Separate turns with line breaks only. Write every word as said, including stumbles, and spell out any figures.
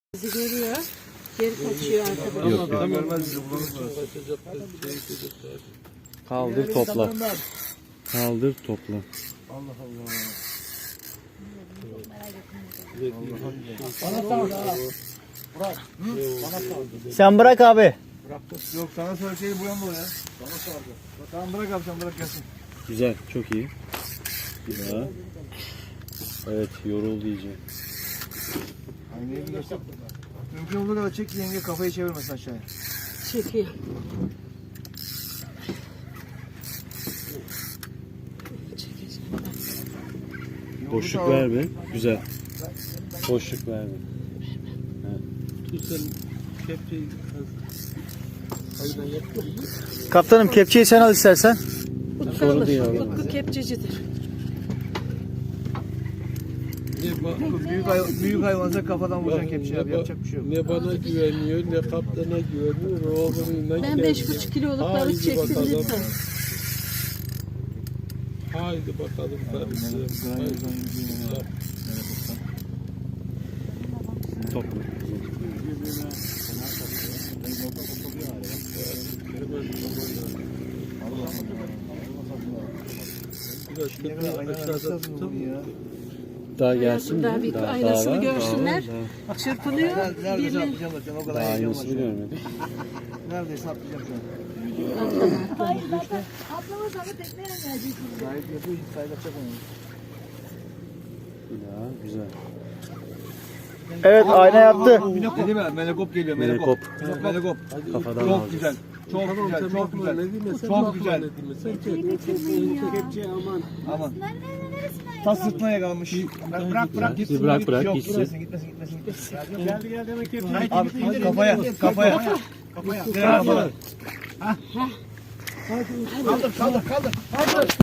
Bizi görüyor. Geri kaçıyor arkadaşlar.
Yok yok. Kaldır topla. Kaldır topla.
Allah Allah.
Bana sal. Bırak. Bana sal.
Sen bırak abi.
Bıraktım. Yok sana söyleseydi bu yanda o ya. Bana sardı. Tamam bırak abi sen bırak gelsin.
Güzel, çok iyi. Bir daha. Evet, yoruldu iyice.
Aynayı bir göster. Mümkün olduğu kadar çek yenge kafayı çevirmesin aşağıya.
Çekiyor.
Boşluk verme. Güzel. Boşluk verme.
Kaptanım kepçeyi sen al istersen.
Utku
Sorun
alır.
değil abi.
Utku kepçecidir.
Büyük, hay büyük hayvansa kafadan vuracaksın kepçeyi abi yapacak bir şey yok.
Ne bana güveniyor ne kaptana güveniyor. Oğlumla
Ben beş buçuk kiloluk balık çektim lütfen.
Haydi bakalım karısı.
Topla. Daha gelsin
Daha
mi?
bir
Daha,
aynasını
daha var,
görsünler.
Daha, var,
Çırpınıyor.
Neredeyse
Birliği.
atlayacağım zaten o kadar
daha
heyecan var.
aynasını görmedik.
Neredeyse atlayacağım şu an.
Hayır zaten atlamazsan da tekneyle geleceksin.
Sahip yapıyor hiç sahip atacak onu.
Bir daha, güzel.
Evet ayna yaptı.
Dedi mi? Melekop geliyor
Melekop.
Melekop. Melekop.
Kafadan
Çok
alacağız.
güzel. Çok güzel. Çok güzel. Çok güzel. Aman. Aman. Tas sırtına yakalanmış. Bırak bırak gitsin.
Bırak, bırak,
Yok,
gitsin.
Gitmesin gitmesin gitmesin. gitmesin. Geldi geldi demek ki. Abi kafaya kafaya. Kafaya. Kafaya. Kaldır kaldır kaldır.